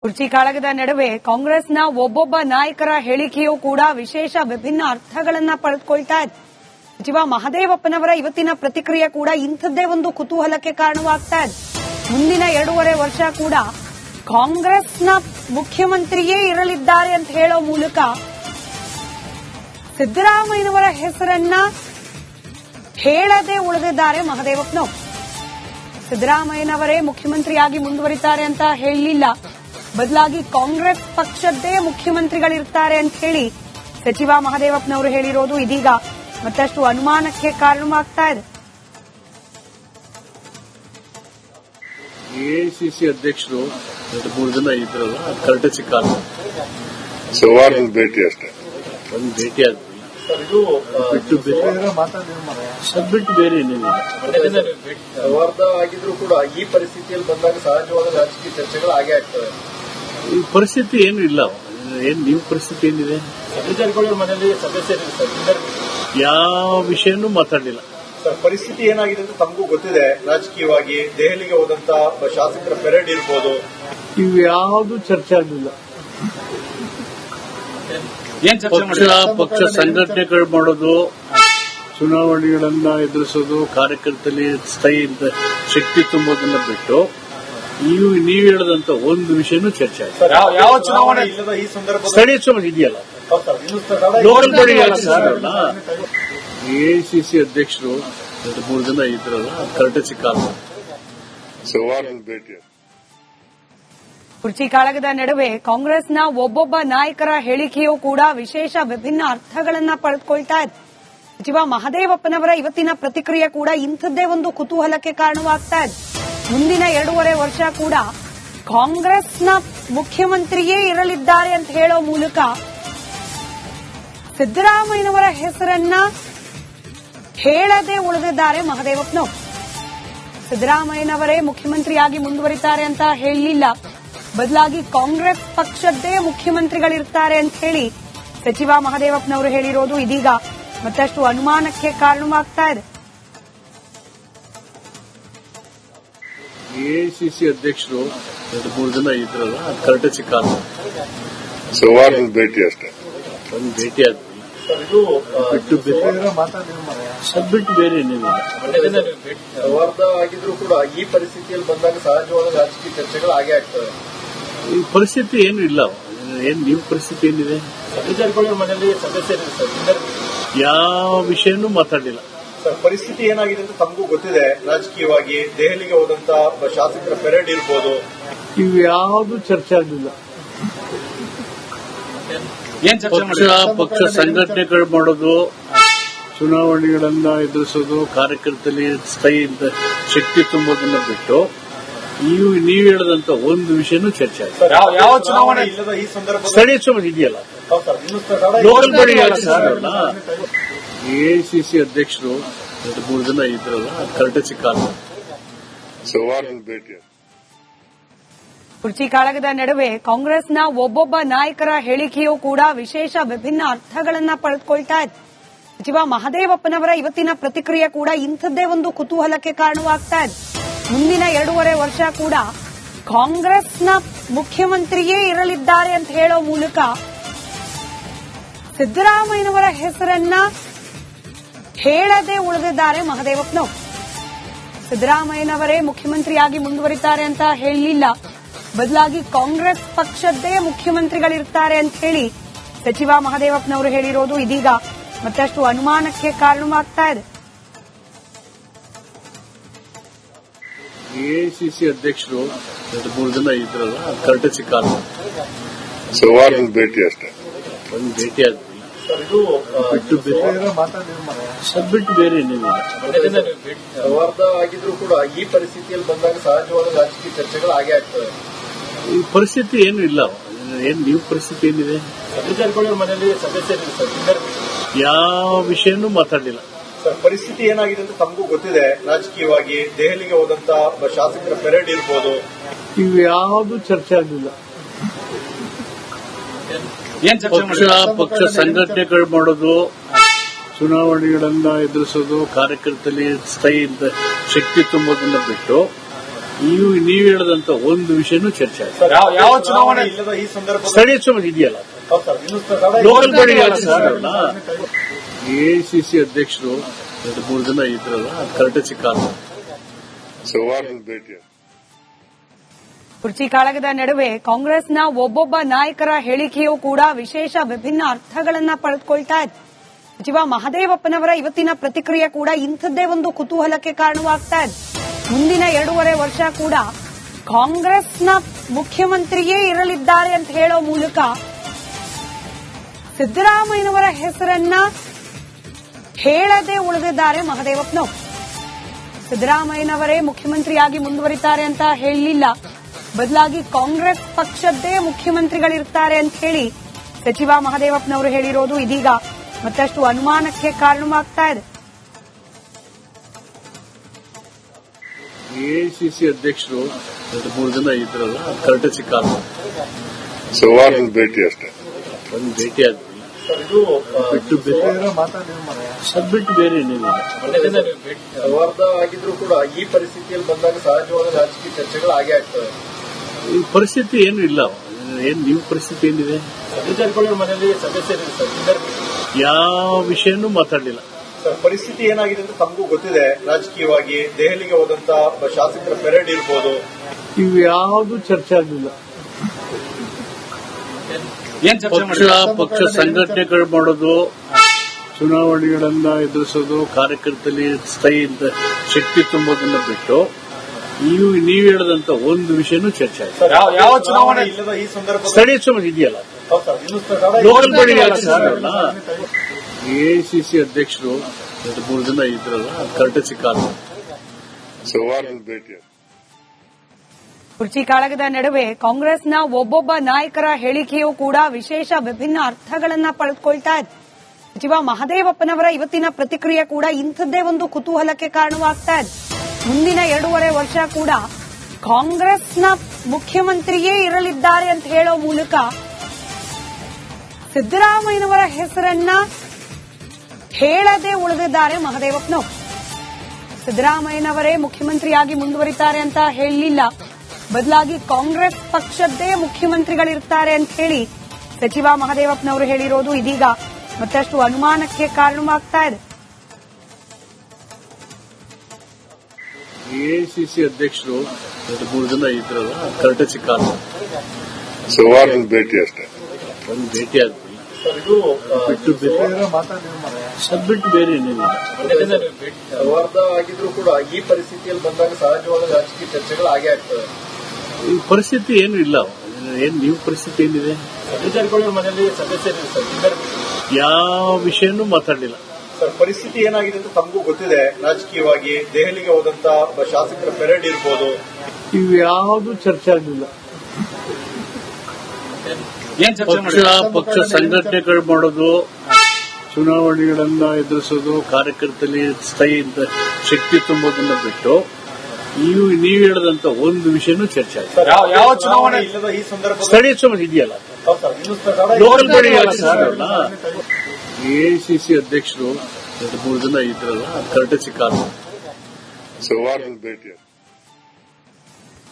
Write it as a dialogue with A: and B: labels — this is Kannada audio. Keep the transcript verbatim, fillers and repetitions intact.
A: ಕುರ್ಚಿ ಕಾಳಗದ ನಡುವೆ ಕಾಂಗ್ರೆಸ್ನ ಒಬ್ಬೊಬ್ಬ ನಾಯಕರ ಹೇಳಿಕೆಯೂ ಕೂಡ ವಿಶೇಷ ವಿಭಿನ್ನ ಅರ್ಥಗಳನ್ನ ಪಡೆದುಕೊಳ್ತಾ ಇದೆ. ಸಚಿವ ಮಹದೇವಪ್ಪನವರ ಇವತ್ತಿನ ಪ್ರತಿಕ್ರಿಯೆ ಕೂಡ ಇಂಥದ್ದೇ ಒಂದು ಕುತೂಹಲಕ್ಕೆ ಕಾರಣವಾಗ್ತಾ ಇದೆ. ಮುಂದಿನ ಎರಡೂವರೆ ವರ್ಷ ಕೂಡ ಕಾಂಗ್ರೆಸ್ನ ಮುಖ್ಯಮಂತ್ರಿಯೇ ಇರಲಿದ್ದಾರೆ ಅಂತ ಹೇಳೋ ಮೂಲಕ ಸಿದ್ದರಾಮಯ್ಯನವರ ಹೆಸರನ್ನ ಹೇಳದೆ ಉಳಿದಿದ್ದಾರೆ ಮಹದೇವಪ್ಪನವರು. ಸಿದ್ದರಾಮಯ್ಯನವರೇ ಮುಖ್ಯಮಂತ್ರಿಯಾಗಿ ಮುಂದುವರಿತಾರೆ ಅಂತ ಹೇಳಲಿಲ್ಲ, ಬದಲಾಗಿ ಕಾಂಗ್ರೆಸ್ ಪಕ್ಷದ್ದೇ ಮುಖ್ಯಮಂತ್ರಿಗಳಿರ್ತಾರೆ ಅಂತ ಹೇಳಿ ಸಚಿವ ಮಹದೇವಪ್ಪನವರು ಹೇಳಿರೋದು ಇದೀಗ ಮತ್ತಷ್ಟು ಅನುಮಾನಕ್ಕೆ ಕಾರಣವಾಗ್ತಾ ಇದೆ.
B: ಎಐಸಿಸಿ ಅಧ್ಯಕ್ಷರು ಮೂರು ಜನ ಇದ್ರಲ್ಲ, ಕರ್ಟಸಿ ಕಾಲ
C: ಸೋಮವಾರ ಭೇಟಿ ಅಷ್ಟೇ,
B: ಒಂದು ಭೇಟಿ ಆದ್ವಿ. ಬಿಟ್ಟು ಬೇರೆ ಬಿಟ್ಟು ಬೇರೆ ಏನೇನಿಲ್ಲ.
D: ಸೌಹಾರ್ದ ಆಗಿದ್ರು ಕೂಡ ಈ ಪರಿಸ್ಥಿತಿಯಲ್ಲಿ ಬಂದಾಗ ಸಹಜವಾದ ರಾಜಕೀಯ ಚರ್ಚೆಗಳು ಹಾಗೆ ಆಗ್ತವೆ.
B: ಈ ಪರಿಸ್ಥಿತಿ ಏನು ಇಲ್ಲ. ಏನ್ ನೀವು ಪರಿಸ್ಥಿತಿ ಏನಿದೆ?
D: ಅಧಿಕಾರಿಗಳ ಮನೆಯಲ್ಲಿ ಸದಸ್ಯರಿಲ್ಲ ಸರ್,
B: ಯಾವ ವಿಷಯನೂ ಮಾತಾಡಲಿಲ್ಲ
D: ಸರ್. ಪರಿಸ್ಥಿತಿ ಏನಾಗಿದೆ ಅಂತ ತಮಗೂ ಗೊತ್ತಿದೆ. ರಾಜಕೀಯವಾಗಿ ದೆಹಲಿಗೆ ಹೋದಂತ ಶಾಸಕರ ಪೆರೇಡ್ ಇರ್ಬೋದು,
B: ಇವು ಯಾವುದು ಚರ್ಚೆ ಆಗಲಿಲ್ಲ. ಪಕ್ಷ ಪಕ್ಷ ಸಂಘಟನೆಗಳು ಮಾಡೋದು, ಚುನಾವಣೆಗಳನ್ನ ಎದುರಿಸೋದು, ಕಾರ್ಯಕರ್ತರಲ್ಲಿ ಸ್ಥಾಯಿ ಶಕ್ತಿ ತುಂಬೋದನ್ನ ಬಿಟ್ಟು ನೀವು ನೀವು ಹೇಳದಂತ ಒಂದು ವಿಷಯನೂ ಚರ್ಚೆ ಆಗಿದೆ.
D: ಯಾವ ಚುನಾವಣೆ ಇಲ್ಲದ ಈ ಸಂದರ್ಭ
B: ಸ್ಥಳೀಯ ಚುನಾವಣೆ ಇದೆಯಲ್ಲ, ಲೋಕಲ್ ಬಾಡಿ ಎಐಸಿಸಿ ಅಧ್ಯಕ್ಷರು ಮೂರು ಜನ ಇದ್ರಲ್ಲ, ಕರ್ಟಸಿ ಕಾಲ
C: ಸೋಮವಾರ ಭೇಟಿ.
A: ಕುರ್ಚಿ ಕಾಳಗದ ನಡುವೆ ಕಾಂಗ್ರೆಸ್ನ ಒಬ್ಬೊಬ್ಬ ನಾಯಕರ ಹೇಳಿಕೆಯೂ ಕೂಡ ವಿಶೇಷ ವಿಭಿನ್ನ ಅರ್ಥಗಳನ್ನ ಪಡೆದುಕೊಳ್ತಾ ಇದೆ. ಸಚಿವ ಮಹದೇವಪ್ಪನವರ ಇವತ್ತಿನ ಪ್ರತಿಕ್ರಿಯೆ ಕೂಡ ಇಂಥದ್ದೇ ಒಂದು ಕುತೂಹಲಕ್ಕೆ ಕಾರಣವಾಗ್ತಾ ಇದೆ. ಮುಂದಿನ ಎರಡೂವರೆ ವರ್ಷ ಕೂಡ ಕಾಂಗ್ರೆಸ್ನ ಮುಖ್ಯಮಂತ್ರಿಯೇ ಇರಲಿದ್ದಾರೆ ಅಂತ ಹೇಳೋ ಮೂಲಕ ಸಿದ್ದರಾಮಯ್ಯನವರ ಹೆಸರನ್ನ ಹೇಳದೆ ಉಳಿದಿದ್ದಾರೆ ಮಹದೇವಪ್ಪನವರು. ಸಿದ್ದರಾಮಯ್ಯನವರೇ ಮುಖ್ಯಮಂತ್ರಿಯಾಗಿ ಮುಂದುವರಿತಾರೆ ಅಂತ ಹೇಳಲಿಲ್ಲ, ಬದಲಾಗಿ ಕಾಂಗ್ರೆಸ್ ಪಕ್ಷದ್ದೇ ಮುಖ್ಯಮಂತ್ರಿಗಳಿರ್ತಾರೆ ಅಂತ ಹೇಳಿ ಸಚಿವ ಮಹದೇವಪ್ಪನವರು ಹೇಳಿರೋದು ಇದೀಗ ಮತ್ತಷ್ಟು ಅನುಮಾನಕ್ಕೆ ಕಾರಣವಾಗ್ತಾ ಇದೆ.
B: ಎಐಸಿಸಿ ಅಧ್ಯಕ್ಷರು ಮೂರು ಜನ ಇದ್ರಲ್ಲ, ಕರ್ಟಸಿ ಕಾಲ
C: ಸೋಮವಾರ ಭೇಟಿ ಅಷ್ಟೇ,
B: ಒಂದು ಭೇಟಿ ಆದ್ವಿ. ಬಿಟ್ಟು ಬೇರೆ ಬಿಟ್ಟು ಬೇರೆ ಏನೇನಿಲ್ಲ.
D: ಸೌಹಾರ್ದ ಆಗಿದ್ರು ಕೂಡ ಈ ಪರಿಸ್ಥಿತಿಯಲ್ಲಿ ಬಂದಾಗ ಸಹಜವಾದ ರಾಜಕೀಯ ಚರ್ಚೆಗಳು ಹಾಗೆ ಆಗ್ತವೆ.
B: ಈ ಪರಿಸ್ಥಿತಿ ಏನು ಇಲ್ಲ. ಏನ್ ನೀವು ಪರಿಸ್ಥಿತಿ ಏನಿದೆ?
D: ಅಧಿಕಾರಿಗಳ ಮನೆಯಲ್ಲಿ ಸದಸ್ಯರಿಲ್ಲ ಸರ್,
B: ಯಾವ ವಿಷಯನೂ ಮಾತಾಡಲಿಲ್ಲ
D: ಸರ್. ಪರಿಸ್ಥಿತಿ ಏನಾಗಿದೆ ಅಂತ ತಮಗೂ ಗೊತ್ತಿದೆ. ರಾಜಕೀಯವಾಗಿ ದೆಹಲಿಗೆ ಹೋದಂತ ಶಾಸಕರ ಪೆರೇಡ್ ಇರ್ಬೋದು,
B: ಇವು ಯಾವುದು ಚರ್ಚೆ ಆಗಲಿಲ್ಲ. ಪಕ್ಷ ಪಕ್ಷ ಸಂಘಟನೆಗಳು ಮಾಡೋದು, ಚುನಾವಣೆಗಳನ್ನ ಎದುರಿಸೋದು, ಕಾರ್ಯಕರ್ತರಲ್ಲಿ ಸ್ಥಾಯಿ ಶಕ್ತಿ ತುಂಬೋದನ್ನ ಬಿಟ್ಟು ನೀವು ನೀವು ಹೇಳದಂತ ಒಂದು ವಿಷಯನೂ ಚರ್ಚೆ ಆಗಿದೆ.
D: ಯಾವ ಚುನಾವಣೆ ಇಲ್ಲದ ಈ ಸಂದರ್ಭ
B: ಸ್ಥಳೀಯ ಚುನಾವಣೆ ಇದೆಯಲ್ಲ, ಲೋಕಲ್ ಬಾಡಿ ಎಐಸಿಸಿ ಅಧ್ಯಕ್ಷರು ಮೂರು ಜನ ಇದ್ರಲ್ಲ, ಕರ್ಟಸಿ ಕಾಲ
C: ಸೋಮವಾರ ಭೇಟಿ.
A: ಕುರ್ಚಿ ಕಾಳಗದ ನಡುವೆ ಕಾಂಗ್ರೆಸ್ನ ಒಬ್ಬೊಬ್ಬ ನಾಯಕರ ಹೇಳಿಕೆಯೂ ಕೂಡ ವಿಶೇಷ ವಿಭಿನ್ನ ಅರ್ಥಗಳನ್ನ ಪಡೆದುಕೊಳ್ತಾ ಇದೆ. ಸಚಿವ ಮಹದೇವಪ್ಪನವರ ಇವತ್ತಿನ ಪ್ರತಿಕ್ರಿಯೆ ಕೂಡ ಇಂಥದ್ದೇ ಒಂದು ಕುತೂಹಲಕ್ಕೆ ಕಾರಣವಾಗ್ತಾ ಇದೆ. ಮುಂದಿನ ಎರಡೂವರೆ ವರ್ಷ ಕೂಡ ಕಾಂಗ್ರೆಸ್ನ ಮುಖ್ಯಮಂತ್ರಿಯೇ ಇರಲಿದ್ದಾರೆ ಅಂತ ಹೇಳೋ ಮೂಲಕ ಸಿದ್ದರಾಮಯ್ಯನವರ ಹೆಸರನ್ನ ಹೇಳದೆ ಉಳಿದಿದ್ದಾರೆ ಮಹದೇವಪ್ಪನವರು. ಸಿದ್ದರಾಮಯ್ಯನವರೇ ಮುಖ್ಯಮಂತ್ರಿಯಾಗಿ ಮುಂದುವರಿತಾರೆ ಅಂತ ಹೇಳಲಿಲ್ಲ, ಬದಲಾಗಿ ಕಾಂಗ್ರೆಸ್ ಪಕ್ಷದ್ದೇ ಮುಖ್ಯಮಂತ್ರಿಗಳಿರ್ತಾರೆ ಅಂತ ಹೇಳಿ ಸಚಿವ ಮಹದೇವಪ್ಪನವರು ಹೇಳಿರೋದು ಇದೀಗ ಮತ್ತಷ್ಟು ಅನುಮಾನಕ್ಕೆ ಕಾರಣವಾಗ್ತಾ ಇದೆ.
B: ಎಐಸಿಸಿ ಅಧ್ಯಕ್ಷರು ಮೂರು ಜನ ಇದ್ರಲ್ಲ, ಕರ್ಟಸಿ ಕಾಲ
C: ಸೋಮವಾರ ಭೇಟಿ ಅಷ್ಟೇ,
B: ಒಂದು ಭೇಟಿ ಆದ್ವಿ. ಬಿಟ್ಟು ಬೇರೆ ಬಿಟ್ಟು ಬೇರೆ ಏನೇನಿಲ್ಲ.
D: ಸೌಹಾರ್ದ ಆಗಿದ್ರು ಕೂಡ ಈ ಪರಿಸ್ಥಿತಿಯಲ್ಲಿ ಬಂದಾಗ ಸಹಜವಾದ ರಾಜಕೀಯ ಚರ್ಚೆಗಳು ಹಾಗೆ ಆಗ್ತವೆ.
B: ಈ ಪರಿಸ್ಥಿತಿ ಏನು ಇಲ್ಲ. ಏನ್ ನೀವು ಪರಿಸ್ಥಿತಿ ಏನಿದೆ?
D: ಅಧಿಕಾರಿಗಳ ಮನೆಯಲ್ಲಿ ಸದಸ್ಯರಿಲ್ಲ ಸರ್,
B: ಯಾವ ವಿಷಯನೂ ಮಾತಾಡಲಿಲ್ಲ
D: ಸರ್. ಪರಿಸ್ಥಿತಿ ಏನಾಗಿದೆ ಅಂತ ತಮಗೂ ಗೊತ್ತಿದೆ. ರಾಜಕೀಯವಾಗಿ ದೆಹಲಿಗೆ ಹೋದಂತ ಶಾಸಕರ ಪೆರೇಡ್ ಇರ್ಬೋದು,
B: ಇವು ಯಾವುದು ಚರ್ಚೆ ಆಗಲಿಲ್ಲ. ಪಕ್ಷ ಪಕ್ಷ ಸಂಘಟನೆಗಳು ಮಾಡೋದು, ಚುನಾವಣೆಗಳನ್ನ ಎದುರಿಸೋದು, ಕಾರ್ಯಕರ್ತರಲ್ಲಿ ಸ್ಥಾಯಿ ಶಕ್ತಿ ತುಂಬೋದನ್ನ ಬಿಟ್ಟು ನೀವು ನೀವು ಹೇಳದಂತ ಒಂದು ವಿಷಯನೂ ಚರ್ಚೆ ಆಯ್ತು.
D: ಸರ್,
E: ಯಾವ- ಯಾವ ಚುನಾವಣೆ
D: ಇಲ್ಲದ ಈ ಸಂದರ್ಭದಲ್ಲಿ
B: ಸ್ಥಳೀಯ ಚುನಾವಣೆ ಇದೆಯಲ್ಲ,
D: ಹೌದು ಸರ್, ಇನ್ನು ಸದಾ-
B: ಲೋಕಲ್ ಬಾಡಿ ಎಐಸಿಸಿ ಅಧ್ಯಕ್ಷರು ಎರಡು ಮೂರು ಜನ ಇದ್ರಲ್ಲ, ಅದು ಕರೆಕ್ಟ್ ಕಾರಣ.
C: ಸೋಮವಾರದ ಭೇಟಿ ಅಷ್ಟೇ.
A: ಕುರ್ಚಿ ಕಾಳಗದ ನಡುವೆ ಕಾಂಗ್ರೆಸ್ನ ಒಬ್ಬೊಬ್ಬ ನಾಯಕರ ಹೇಳಿಕೆಯೂ ಕೂಡ ವಿಶೇಷ ವಿಭಿನ್ನ ಅರ್ಥಗಳನ್ನ ಪಡೆದುಕೊಳ್ತಾ ಇದೆ. ಸಚಿವ ಮಹದೇವಪ್ಪನವರ ಇವತ್ತಿನ ಪ್ರತಿಕ್ರಿಯೆ ಕೂಡ ಇಂಥದ್ದೇ ಒಂದು ಕುತೂಹಲಕ್ಕೆ ಕಾರಣವಾಗ್ತಾ ಇದೆ. ಮುಂದಿನ ಎರಡೂವರೆ ವರ್ಷ ಕೂಡ ಕಾಂಗ್ರೆಸ್ನ ಮುಖ್ಯಮಂತ್ರಿಯೇ ಇರಲಿದ್ದಾರೆ ಅಂತ ಹೇಳೋ ಮೂಲಕ ಸಿದ್ದರಾಮಯ್ಯನವರ ಹೆಸರನ್ನ ಹೇಳದೆ ಉಳಿದಿದ್ದಾರೆ ಮಹದೇವಪ್ಪನವರು. ಸಿದ್ದರಾಮಯ್ಯನವರೇ ಮುಖ್ಯಮಂತ್ರಿಯಾಗಿ ಮುಂದುವರಿತಾರೆ ಅಂತ ಹೇಳಲಿಲ್ಲ, ಬದಲಾಗಿ ಕಾಂಗ್ರೆಸ್ ಪಕ್ಷದ್ದೇ ಮುಖ್ಯಮಂತ್ರಿಗಳಿರ್ತಾರೆ ಅಂತ ಹೇಳಿ ಸಚಿವ ಮಹದೇವಪ್ಪನವರು ಹೇಳಿರೋದು ಇದೀಗ ಮತ್ತಷ್ಟು ಅನುಮಾನಕ್ಕೆ ಕಾರಣವಾಗ್ತಾ ಇದೆ.
B: ಎಐಸಿಸಿ ಅಧ್ಯಕ್ಷರು ಎರಡು ಮೂರು ಜನ ಇದ್ರಲ್ಲ, ಅದು ಕರೆಕ್ಟ್ ಕಾರಣ.
C: ಸೋಮವಾರದ ಭೇಟಿ ಅಷ್ಟೇ.
B: ಒಂದು ಭೇಟಿ ಆದ್ವಿ,
D: ಸರ್, ಇದು ಆ,
B: ಬಿಟ್ಟು ಬೇರೆ ಅದು ಬಿಟ್ಟು ಬೇರೆ ಏನಿಲ್ಲ.
D: ಸೌಹಾರ್ದ ಆಗಿದ್ರು ಕೂಡ ಈ ಪರಿಸ್ಥಿತಿಯಲ್ಲಿ ಬಂದಾಗ ಸಹಜವಾದ ರಾಜಕೀಯ ಚರ್ಚೆಗಳು ಆಗೇ ಆಗ್ತವೆ.
B: ಈ ಪರಿಸ್ಥಿತಿ ಏನು ಇಲ್ಲ. ಏನ್ ನೀವು ಪರಿಸ್ಥಿತಿ ಏನಿದೆ?
D: ಜಾರಕಿಹೊಳಿ ಮನೆಯಲ್ಲಿ ಸದಸ್ಯರಿದೆ ಸರ್, ಇದ್ದಾರೆ.
B: ಯಾವ ವಿಷಯನೂ ಮಾತಾಡಲಿಲ್ಲ.
D: ಸರ್, ಪರಿಸ್ಥಿತಿ ಏನಾಗಿದೆ ಅಂತ ತಮಗೂ ಗೊತ್ತಿದೆ. ರಾಜಕೀಯವಾಗಿ ದೆಹಲಿಗೆ ಹೋದಂತ ಒಬ್ಬ ಶಾಸಕರ ಪೆರೇಡ್ ಇರ್ಬೋದು.
B: ಇವು ಯಾವುದು ಚರ್ಚೆ ಆಗಲಿಲ್ಲ.
E: ಏನ್ ಚರ್ಚೆ
B: ಪಕ್ಷ ಪಕ್ಷ ಸಂಘಟನೆಗಳು ಮಾಡೋದು, ಚುನಾವಣೆಗಳನ್ನ ಎದುರಿಸೋದು, ಕಾರ್ಯಕರ್ತರಲ್ಲಿ ಸ್ಥಾಯಿ ಶಕ್ತಿ ತುಂಬೋದನ್ನ ಬಿಟ್ಟು ನೀವು ನೀವು ಹೇಳದಂತ ಒಂದು ವಿಷಯನೂ ಚರ್ಚೆ ಆಯ್ತು.
D: ಸರ್,
E: ಯಾವ- ಯಾವ ಚುನಾವಣೆ
D: ಇಲ್ಲದ ಈ ಸಂದರ್ಭದಲ್ಲಿ
B: ಸ್ಥಳೀಯ ಚುನಾವಣೆ ಇದೆಯಲ್ಲ,
D: ಹೌದು ಸರ್, ಇನ್ನು ಸದಾ-
B: ಲೋಕಲ್ ಬಾಡಿ ಎಐಸಿಸಿ ಅಧ್ಯಕ್ಷರು ಎರಡು ಮೂರು ಜನ ಇದ್ರಲ್ಲ, ಅದು ಕರೆಕ್ಟ್ ಕಾರಣ.
C: ಸೋಮವಾರದ ಭೇಟಿ ಅಷ್ಟೇ.
A: ಕುರ್ಚಿ ಕಾಳಗದ ನಡುವೆ ಕಾಂಗ್ರೆಸ್ನ ಒಬ್ಬೊಬ್ಬ ನಾಯಕರ ಹೇಳಿಕೆಯೂ ಕೂಡ ವಿಶೇಷ ವಿಭಿನ್ನ ಅರ್ಥಗಳನ್ನ ಪಡೆದುಕೊಳ್ತಾ ಇದೆ. ಸಚಿವ ಮಹದೇವಪ್ಪನವರ ಇವತ್ತಿನ ಪ್ರತಿಕ್ರಿಯೆ ಕೂಡ ಇಂಥದ್ದೇ ಒಂದು ಕುತೂಹಲಕ್ಕೆ ಕಾರಣವಾಗ್ತಾ ಇದೆ. ಮುಂದಿನ ಎರಡೂವರೆ ವರ್ಷ ಕೂಡ ಕಾಂಗ್ರೆಸ್ನ ಮುಖ್ಯಮಂತ್ರಿಯೇ ಇರಲಿದ್ದಾರೆ ಅಂತ ಹೇಳೋ ಮೂಲಕ ಸಿದ್ದರಾಮಯ್ಯನವರ ಹೆಸರನ್ನ ಹೇಳದೆ ಉಳಿದಿದ್ದಾರೆ ಮಹದೇವಪ್ಪನವರು. ಸಿದ್ದರಾಮಯ್ಯನವರೇ ಮುಖ್ಯಮಂತ್ರಿಯಾಗಿ ಮುಂದುವರಿತಾರೆ ಅಂತ ಹೇಳಲಿಲ್ಲ, ಬದಲಾಗಿ ಕಾಂಗ್ರೆಸ್ ಪಕ್ಷದ್ದೇ ಮುಖ್ಯಮಂತ್ರಿಗಳಿರ್ತಾರೆ ಅಂತ ಹೇಳಿ ಸಚಿವ ಮಹದೇವಪ್ಪನವರು ಹೇಳಿರೋದು ಇದೀಗ ಮತ್ತಷ್ಟು ಅನುಮಾನಕ್ಕೆ ಕಾರಣವಾಗ್ತಾ ಇದೆ.
B: ಎಐಸಿಸಿ ಅಧ್ಯಕ್ಷರು ಎರಡು ಮೂರು ಜನ ಇದ್ರಲ್ಲ, ಅದು ಕರೆಕ್ಟ್ ಕಾರಣ.
C: ಸೋಮವಾರದ ಭೇಟಿ ಅಷ್ಟೇ.
B: ಒಂದು ಭೇಟಿ ಆದ್ವಿ,
D: ಸರ್, ಇದು ಆ,
B: ಬಿಟ್ಟು ಬೇರೆ ಅದು ಬಿಟ್ಟು ಬೇರೆ ಏನಿಲ್ಲ.
D: ಸೌಹಾರ್ದ ಆಗಿದ್ರು ಕೂಡ ಈ ಪರಿಸ್ಥಿತಿಯಲ್ಲಿ ಬಂದಾಗ ಸಹಜವಾದ ರಾಜಕೀಯ ಚರ್ಚೆಗಳು ಆಗೇ ಆಗ್ತವೆ.
B: ಈ ಪರಿಸ್ಥಿತಿ ಏನು ಇಲ್ಲ. ಏನ್ ನೀವು ಪರಿಸ್ಥಿತಿ ಏನಿದೆ?
D: ಜಾರಕಿಹೊಳಿ ಮನೆಯಲ್ಲಿ ಸದಸ್ಯರಿದೆ ಸರ್, ಇದ್ದಾರೆ.
B: ಯಾವ ವಿಷಯನೂ ಮಾತಾಡಲಿಲ್ಲ.
D: ಸರ್, ಪರಿಸ್ಥಿತಿ ಏನಾಗಿದೆ ಅಂತ ತಮಗೂ ಗೊತ್ತಿದೆ. ರಾಜಕೀಯವಾಗಿ ದೆಹಲಿಗೆ ಹೋದಂತ ಒಬ್ಬ ಶಾಸಕರ ಪೆರೇಡ್ ಇರ್ಬೋದು.
B: ಇವು ಯಾವುದು ಚರ್ಚೆ ಆಗಲಿಲ್ಲ.
E: ಏನ್ ಚರ್ಚೆ
B: ಪಕ್ಷ ಪಕ್ಷ ಸಂಘಟನೆಗಳು ಮಾಡೋದು, ಚುನಾವಣೆಗಳನ್ನ ಎದುರಿಸೋದು, ಕಾರ್ಯಕರ್ತರಲ್ಲಿ ಸ್ಥಾಯಿ ಶಕ್ತಿ ತುಂಬೋದನ್ನ ಬಿಟ್ಟು ನೀವು ನೀವು ಹೇಳದಂತ ಒಂದು ವಿಷಯನೂ ಚರ್ಚೆ ಆಯ್ತು.
D: ಸರ್,
E: ಯಾವ- ಯಾವ ಚುನಾವಣೆ
D: ಇಲ್ಲದ ಈ ಸಂದರ್ಭದಲ್ಲಿ
B: ಸ್ಥಳೀಯ ಚುನಾವಣೆ ಇದೆಯಲ್ಲ,
D: ಹೌದು ಸರ್, ಇನ್ನು ಸದಾ-
B: ಲೋಕಲ್ ಬಾಡಿ ಎಐಸಿಸಿ ಅಧ್ಯಕ್ಷರು ಎರಡು ಮೂರು ಜನ ಇದ್ರಲ್ಲ, ಅದು ಕರೆಕ್ಟ್ ಕಾರಣ.
C: ಸೋಮವಾರದ ಭೇಟಿ ಅಷ್ಟೇ.